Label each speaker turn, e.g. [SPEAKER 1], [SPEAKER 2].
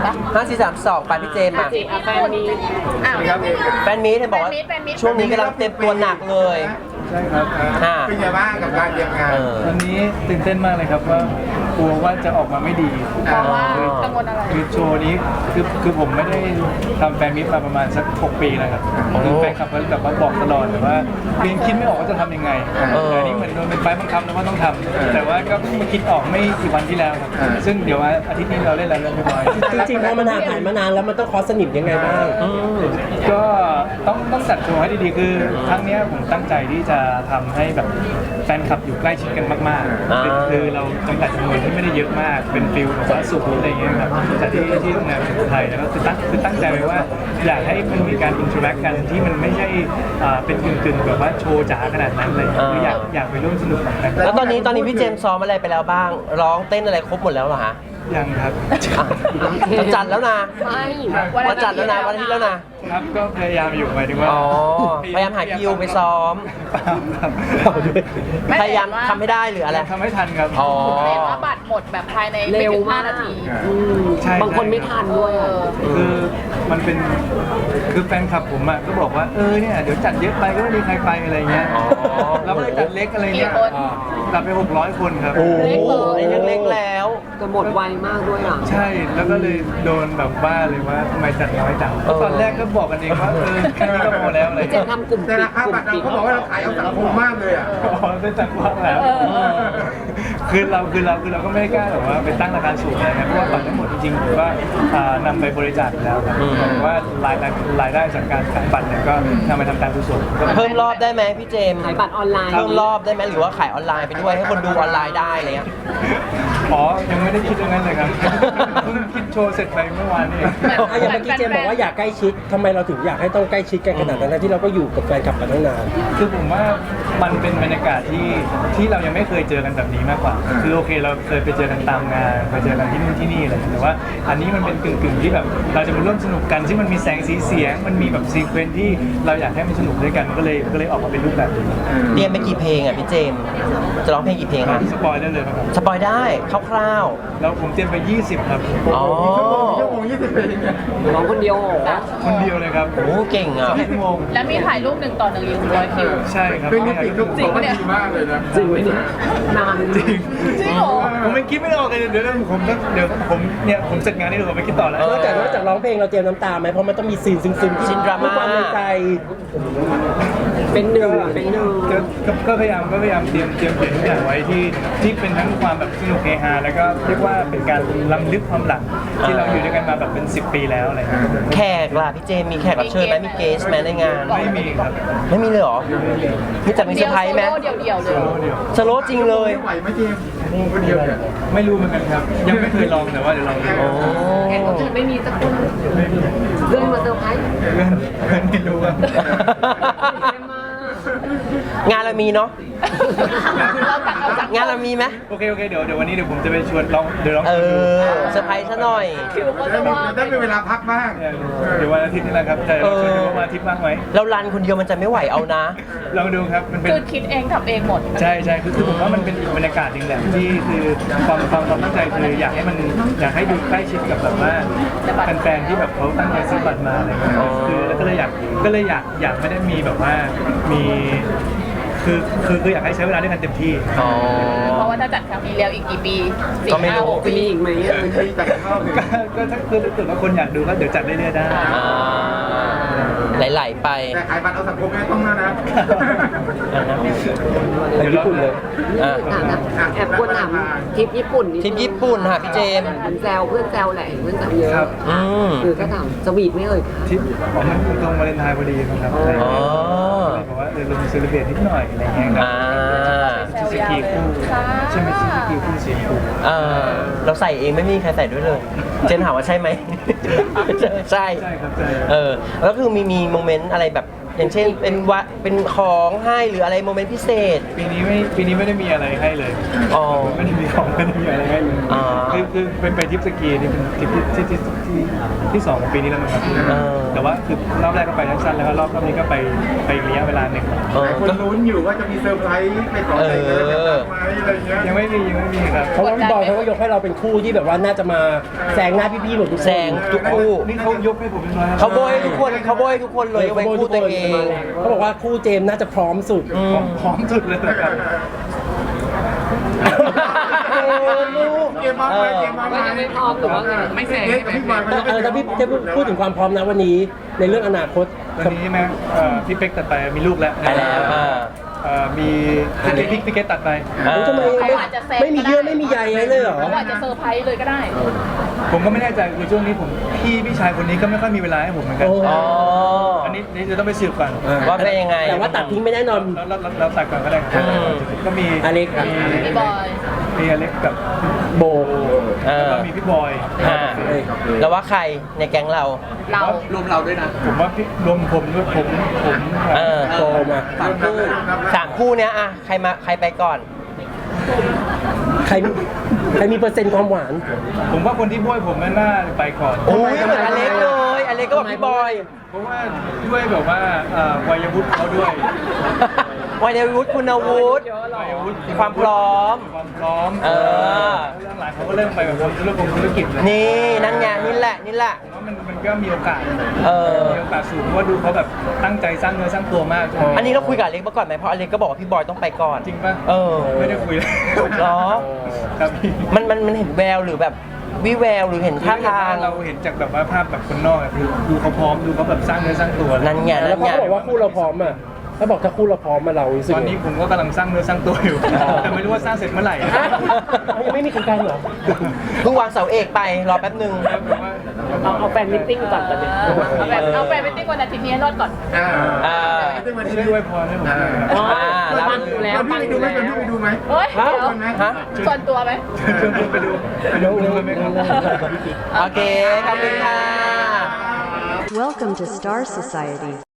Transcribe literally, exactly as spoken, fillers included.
[SPEAKER 1] ปะ
[SPEAKER 2] ห้าสี่สามสองไปพี่เจมส์มา
[SPEAKER 1] แฟนมีอ้าว
[SPEAKER 2] แฟนมีเห็นบอกว่าช่วงนี้กำลังเต็มตัวหนักเลย
[SPEAKER 3] ใช่ครับ
[SPEAKER 4] เป็นไงบ้างกับการเตรียมงาน
[SPEAKER 3] วันนี้ตื่นเต้นมากเลยครับว่ากลัวว่าจะออกมาไม่ดี
[SPEAKER 1] เพราะว่ากังวลอะไร
[SPEAKER 3] คือโชว์นี้คือคือผมไม่ได้ทำแฟนมิตมาประมาณสักหกปีแล้วครับคือแฟนคลับเขาแบบว่าบอกตลอดเลยว่าเรียนคิดไม่ออกว่าจะทำยังไงแต่นี่เหมือนโดนเป็นไฟบังคับแล้วว่าต้องทำแต่ว่าก็เพิ่งมาคิดออกไม่กี่วันที่แล้วครับซึ่งเดี๋ยวอาทิตย์นี้เราเล่นแล้วเรียบร้อย
[SPEAKER 5] จริงๆพอมันห่างหายมานานแล้วมันต้องคอสนิมยังไงบ้าง
[SPEAKER 3] ก็ต้องต้องจัดโชว์ให้ดีๆคือครั้งนี้ผมตั้งใจที่จะทำให้แบบแฟนคลับอยู่ใกล้ชิดกันมากๆคือเราจำกัดจำนวนที่ไม่ได้เยอะมากเป็นฟิลแบบว่าสุขอะไรอย่างเงี้ยครับแต่ที่ที่โรงแรมไทยแล้วก็คือตั้งคือตั้งใจไว้ว่าอยากให้มันมีการอินเทอร์แอคกันที่มันไม่ใช่เป็นกึ่งๆแบบว่าโชว์จ๋าขนาดนั้นเลยคืออยากอยากไปร่วมสนุกกัน
[SPEAKER 2] แล้วตอนนี้ตอนนี้พี่เจมส์ซ้อมอะไรไปแล้วบ้างร้องเต้นอะไรครบหมดแล้วเหรอฮะ
[SPEAKER 3] ยังครับ
[SPEAKER 2] จะจัดแล้วนะ
[SPEAKER 1] ไม่
[SPEAKER 2] วันจัดแล้วนะวันอาทิตย์แล้วนะครับ
[SPEAKER 3] ก็พยายามอยู่หมายถึงว่า
[SPEAKER 2] อ๋อพยายามหาคิวไปซ้อมพยายามทำให้ได้หรืออะไร
[SPEAKER 3] ทำให้ทันครับ
[SPEAKER 2] อ๋อ
[SPEAKER 1] เรียกว่าบัตรหมดแบบภายในไม่ถึงห้านาทีบางคนไม่ทันด้วย
[SPEAKER 3] คือมันเป็นคือแฟนคลับผมอ่ะก็บอกว่าเออเนี่ยเดี๋ยวจัดเยอะไปก็ไม่มีใครไปอะไรเงี้ยเราก็เลยจัดเล็กอะไรเงี้ยจัดไปหกร้อยคนครับ
[SPEAKER 2] โอ้ยยังเล็กแล้ว
[SPEAKER 1] จะหมดไวมากด้วยอ่ะ
[SPEAKER 3] ใช่แล้วก็เลยโดนแบบบ้าเลยว่าทำไมจัดน้อยจังตอนแรกก็บอกกันเองว่าเออแค่นี้ก็พอแล้วอะไร
[SPEAKER 1] จะทำกลุ่ม
[SPEAKER 4] แต่ราคาบัตรเราเขาบอกว่าเราขายเอาสังคมมากเลยอ่ะ
[SPEAKER 3] อ๋อได้จัดกว้างแล้วคือเราคือเราคือเราก็ไม่กล้าแบบว่าไปตั้งราคาสูงอะไรนะเพราะว่าบัตรทั้งหมดจริงๆผมว่านำไปบริจาคแล้วครับผมว่ารายรายได้จากการขายบัตรเนี่ยก็นำไปทำการกุศล
[SPEAKER 2] เพิ่มรอบได้ไหมพี่เจมส์
[SPEAKER 1] ขายบัตรออนไลน์
[SPEAKER 2] เพิ่มรอบได้ไหมหรือว่าขายออนไลน์ไปด้วยให้คนดูออนไลน์ได้อะไรเงี้ย
[SPEAKER 3] อ๋อยังไม่ได้คิดตรงนั้นเลยครับเพิ่งคิดโชว์เสร็จไปเมื่อวานนี่
[SPEAKER 5] อย่างเมื่อกี้เจมบอกว่าอยากใกล้ชิดทำไมเราถึงอยากให้ต้องใกล้ชิดกันขนาดนั้นที่เราก็อยู่กับแฟนคลับมาตั้งนาน
[SPEAKER 3] คือผมว่ามันเป็นบรรยากาศที่ที่เรายังไม่เคยเจอกันแบบนี้มากกว่าคือโอเคเราเคยไปเจอกันตามงานไปเจอกันที่นู่นที่นี่อะไรแต่ว่าอันนี้มันเป็นกึ่งๆที่แบบเราจะมาร่วมสนุกกันที่มันมีแสงสีเสียงมันมีแบบซีเควนซ์ที่เราอยากให้มันสนุกด้วยกันก็เลยก็เลยออกมาเป็นรูปแบบนี้
[SPEAKER 2] เตรียมไปกี่เพลงอ่ะพี่เจมจะร้องเพลงกี่เพลงครับ
[SPEAKER 3] สปอยได้เลยครับ
[SPEAKER 2] สปอยได้คร่าว
[SPEAKER 3] ๆแล้วผมเตรียมไปยี่สิบครับ
[SPEAKER 2] อ๋อ
[SPEAKER 4] ชั่วโมงยี่สิบเพลง
[SPEAKER 1] ร้องคนเดียว
[SPEAKER 3] คนเดียวเลยครับ
[SPEAKER 2] โอ้เก่งอ่ะ
[SPEAKER 3] ชั่วโมง
[SPEAKER 1] แล้วมีถ่ายรูปหนึ่งต่อหนึ่งอีกร้อยคิว
[SPEAKER 3] ใช่ครับ
[SPEAKER 4] เป็นนิติทุกคนดีมากเลยนะ
[SPEAKER 1] จริงไหมเนี่ยนาน
[SPEAKER 3] จริง
[SPEAKER 1] จริงเหรอ
[SPEAKER 3] ผมไม่คิดไม่ออกเลยเดี๋ยวผมเดี๋ยวผมเนี่ยผมเสร็จงานนี้เดี๋ยวผมไปคิดต่อแล้ว
[SPEAKER 5] นอกจากนอกจากร้องเพลงเราเตรียมน้ำตาไหมเพราะมันต้องมีซีนซึ้งๆที่
[SPEAKER 2] ซีนดราม่า
[SPEAKER 5] ความในใจ
[SPEAKER 1] เป็นหนึ่งเป็นหนึ่ง
[SPEAKER 3] ก็พยายามก็พยายามเตรียมเตรียมเขียนทุกอย่างไว้ที่ที่เป็นทั้งความแบบสนุกเฮฮาแล้วก็เรียกว่าเป็นการล้ำลึกความหลังที่เราอยู่ด้วยกันมาแบบเป็นสิบปีแล้วอะไรเงี้ย
[SPEAKER 2] แขกล่ะพี่เจมมีแขกรับเชิญไหมมีเกสไหมในงาน
[SPEAKER 3] ไม่มีครับ
[SPEAKER 2] ไม่มีเลยหรอมีแต่มีเซอร์ไพรส์ไหม
[SPEAKER 1] เดียวเดียวเลย
[SPEAKER 2] สโลจริงเลย
[SPEAKER 4] ไหวไหมเจมโมงคนเดียวเนี่ย
[SPEAKER 3] ไม่รู้เหมือนกันครับยังไม่เคยลองแต่ว่าเดี๋ยวลองดู
[SPEAKER 1] แขกรับเชิญไม่มีสักคนเพื่อนมาเซอร์ไพรส์
[SPEAKER 3] เพื่อนเพื่อนไม่รู้ครับ
[SPEAKER 2] งานเรามีเนาะงานเรามีไหม
[SPEAKER 3] โอเคโอเคเดี๋ยวเดี๋ยววันนี้เดี๋ยวผมจะไปชวนลองเดี๋ยวลอง
[SPEAKER 2] เออเซอร์ไพรส์ซะหน่อย
[SPEAKER 4] ได้มีเวลาพักบ้าง
[SPEAKER 3] เดี๋ยววันอาทิตย์นี้แหละครับแต่เราชวนดูว่าวันอาทิตย์บ้างไหม
[SPEAKER 2] เรารันคนเดียวมันจะไม่ไหวเอานะ
[SPEAKER 3] ลองดูครับมันเป็น
[SPEAKER 1] คือคิดเองทำเองหมด
[SPEAKER 3] ใช่ใช่คือผมว่ามันเป็นบรรยากาศจริงแหละที่คือความความความตั้งใจคืออยากให้มันอยากให้ดูใกล้ชิดกับแบบว่าแฟนๆที่แบบเขาตั้งใจซื้อบัตรมาอะไรเงี้ยคือแล้วก็เลยอยากก็เลยอยากอยากไม่ได้มีแบบว่ามีคือคือคืออยากให้ใช้เวลาด้วยกันเต็มที่
[SPEAKER 1] เพราะว่าถ้าจัดครั้งนี้แล้วอีกกี่ปีสี่ห้าหกปีอีกไหม
[SPEAKER 4] จัดเข้า
[SPEAKER 3] ก็ถ้าคือถ้าว่าคนอยากดูก็เดี๋ยวจัดเรื่อยๆได้
[SPEAKER 2] ไหลๆไป
[SPEAKER 4] แต่ขายบัตรเอาสังคมไม่ต้องนะนะ
[SPEAKER 5] ไปญี่ปุ่นเลย
[SPEAKER 1] แอบควรถามทริปญี่ปุ่น
[SPEAKER 2] ทริปญี่ปุ่นค่ะพี่เจม
[SPEAKER 1] แซวเพื่อนแซวแหละเพื่อนแซวเยอะคือก็ถามสวีทไม่เอ่ย
[SPEAKER 3] ทริปของมันตรงวาเลนไทน์พอดีนะครับอ๋อบอกว่าเออลงเซเลบเรตนิดหน่อยอะไรเงี้ยครับชิสกีคู่ใช่ไหมชิสกีคู่สีคู่
[SPEAKER 2] เราใส่เองไม่มีใครใส่ด้วยเลยเจนถามว่าใช่ไหมใช่
[SPEAKER 3] ใช่ครับใช่
[SPEAKER 2] เออแล้วคือมีมีโมเมนต์อะไรแบบอย่างเช่นเป็นวะเป็นของให้หรืออะไรโมเมนต์พิเศษ
[SPEAKER 3] ปีนี้ไม่ปีนี้ไม่ได้มีอะไรให้เลย
[SPEAKER 2] อ๋อ
[SPEAKER 3] ไม่ได้มีของไม่ได้มีอะไรให้เลย
[SPEAKER 2] อ๋อ
[SPEAKER 3] คือคือเป็นไปทริปสกีนี่เป็นทริปที่ที่ที่ที่ที่สองของปีนี้แล้วมั้งครับ
[SPEAKER 2] เออ
[SPEAKER 3] แต่ว่าคือรอบแรกก็ไปสั้นๆแล้วก็รอบรอบนี้ก็ไปไปอีกระยะเวลาหนึ่ง
[SPEAKER 2] เอ
[SPEAKER 4] ห
[SPEAKER 2] อ
[SPEAKER 4] ลายคน
[SPEAKER 2] ก็
[SPEAKER 4] ลุ้นอยู่ว่าจะมีเซอร์ไพรส์ไปขอแต่งงานกับดอกไม้อะไรเงี้ย
[SPEAKER 3] ยังไม่มียังไม่มีครับ
[SPEAKER 5] เพราะว่าพี่บอยเขาก็ยกให้เราเป็นคู่ที่แบบว่าน่าจะมาแซงหน้าพี่ๆหมดทุกคน
[SPEAKER 2] แซงทุกคู่
[SPEAKER 3] นี่เขายกให้ผมเป็นร้อย
[SPEAKER 2] เขาโบยให้ทุกคนเขาโบยให้ทุกคนเลยยกเว้นคู่ตัวเอง
[SPEAKER 5] เขาบอกว่าคู่เจมส์น่าจะพร้อมสุด
[SPEAKER 2] อืม
[SPEAKER 3] พร้อมสุดเลยนะครับ
[SPEAKER 4] ลูกเกมมาไหมเกมมาไหม
[SPEAKER 1] ว่ายังไม่พร้อมหรือว่าไม่แซง
[SPEAKER 4] เอ๊ะพี่บอยมัน
[SPEAKER 5] เออถ้าพี่จะพูดถึงความพร้อมนะวันนี้ในเรื่องอนาคต
[SPEAKER 3] ตอนนี้ใช่ไหมเอ่อพี่เป๊กตัดไปมีลูกแล้ว
[SPEAKER 2] ไปแล้วอ่า
[SPEAKER 3] เอ่อมีพี่พี่พี่เกตตัดไป
[SPEAKER 2] อ่า
[SPEAKER 5] โอ้ทำไม
[SPEAKER 1] เขา
[SPEAKER 5] ไม่
[SPEAKER 1] อาจจะแซง
[SPEAKER 5] ไม่มีเยื่อไม่มีใยอะไรเลยเหรอ
[SPEAKER 1] เขาอาจจะเซอร์ไพรส์เลยก็ได้
[SPEAKER 3] ผมก็ไม่แน่ใจคือช่วงนี้ผมพี่พี่ชายคนนี้ก็ไม่ค่อยมีเวลาให้ผมเหมือนกัน
[SPEAKER 5] โอ้
[SPEAKER 2] อ๋อ
[SPEAKER 3] อันนี้นี่จะต้องไปสืบก่อน
[SPEAKER 2] ว่าเป็นยังไง
[SPEAKER 5] แต่ว่าตัดทิ้งไม่แน่นอน
[SPEAKER 3] แล้วแล้วแล้วแล้วตัดก่อนก็ได้ครับ
[SPEAKER 2] อืม
[SPEAKER 3] ก็มี
[SPEAKER 5] อเล็กอ่ะ
[SPEAKER 3] มี
[SPEAKER 1] พี่บอย
[SPEAKER 3] มีอเล็กกับ
[SPEAKER 5] โบ
[SPEAKER 2] เอ
[SPEAKER 3] แล้ว
[SPEAKER 2] อ
[SPEAKER 3] ก็มีพี่บอย
[SPEAKER 2] อ่าแล้วว่าใครในแก๊งเรา
[SPEAKER 1] เรา
[SPEAKER 3] รวมเราด้วยนะ ผมว่าพี่รวมผมด้วยผมผม
[SPEAKER 2] เออ
[SPEAKER 5] โบมา
[SPEAKER 3] สามคู่
[SPEAKER 2] สามคู่เนี้ยอะใครมาใครไปก่อน
[SPEAKER 5] ใครใครมีเปอร์เซ็นต์ความหวาน
[SPEAKER 3] ผมว่าคนที่บ้วยผมน่าจะไปก่อน
[SPEAKER 2] โอ้ยเหมือนอเล็กเลยอเล็กก็บอกพี่บอย
[SPEAKER 3] เพราะว่าด้วยแบบว่าเอ่อวัยวุฒิเขาด้วย
[SPEAKER 2] วัยวุฒิคุณวุฒิ
[SPEAKER 3] วัยวุฒิ
[SPEAKER 2] ความพร้อม
[SPEAKER 3] ความพร้อม
[SPEAKER 2] เออ
[SPEAKER 3] เรื่องหลังเขาก็เริ่มไปแบบทำธุรกงธุรกิจเลย
[SPEAKER 2] นี่นั่นไงนี่แหละนี่แหละ
[SPEAKER 3] ผมว่ามันมันก็มีโอกาส
[SPEAKER 2] เออ
[SPEAKER 3] มีโอกาสสูงเพราะว่าดูเขาแบบตั้งใจสร้างเนื้อสร้างตัวมาก
[SPEAKER 2] อันนี้เราคุยกับอเล็กมาก่อนไหมเพราะอเล็กก็บอกว่าพี่บอยต้องไปก่อน
[SPEAKER 3] จริงป่ะ
[SPEAKER 2] เออ
[SPEAKER 3] ไม่ได้คุยเลย
[SPEAKER 2] เหรอ
[SPEAKER 3] ครับพี่
[SPEAKER 2] มันมันมันเห็นแววหรือแบบวิแววหรือเห็นท่าทาง
[SPEAKER 3] เราเห็นจากแบบว่าภาพแบบคนนอกอะคือดูเขาพร้อมดูเขาแบบสร้างเนื้อสร้างตัว
[SPEAKER 2] นั่นไง
[SPEAKER 5] แล้
[SPEAKER 2] นั่
[SPEAKER 5] วน เขา
[SPEAKER 2] ไง
[SPEAKER 5] ก็บอกว่าคู่เราพร้อมอ่ะถ้าบอกถ้าคู่เราพร้อมมาเรารู้สึก
[SPEAKER 3] ตอนนี้ผมก็กำลังสร้างเนื้อสร้างตัวอยู่ แต่ไม่รู้ว่าสร้างเสร็จเมื่อไหร่
[SPEAKER 5] ฮะยังไม่มีโครงการเหรอ
[SPEAKER 2] เพิ่งวางเสาเอกไปรอแป๊บหนึ่ง
[SPEAKER 1] เอาเอาแฟนมิทติ้งก่อนตอนนี้เอาแบบเอาแฟนมิทติ้งวันอาทิตย์นี้ให้รอดก่อน
[SPEAKER 4] อ่า
[SPEAKER 2] อ่า
[SPEAKER 4] วันนี้
[SPEAKER 3] ช่วยด้วยพรให้ผมด้วยครับ
[SPEAKER 1] อ๋อ
[SPEAKER 2] แล้ว
[SPEAKER 1] ฟังอยู่แล้ว
[SPEAKER 4] พี่
[SPEAKER 1] ฟัง
[SPEAKER 4] ไป
[SPEAKER 1] อ
[SPEAKER 4] ดู
[SPEAKER 1] ยู่
[SPEAKER 4] ไหม
[SPEAKER 1] แล้ว
[SPEAKER 4] พี่ไปดูไหม
[SPEAKER 1] เฮ้ยเดี๋ยว
[SPEAKER 2] ฮะ
[SPEAKER 1] ส่วนตัวไหม
[SPEAKER 3] ชวนคุณไปดูไปดูกันไหมครับ
[SPEAKER 2] โอเค ขอบคุณค่ะ
[SPEAKER 6] Welcome to Star Society.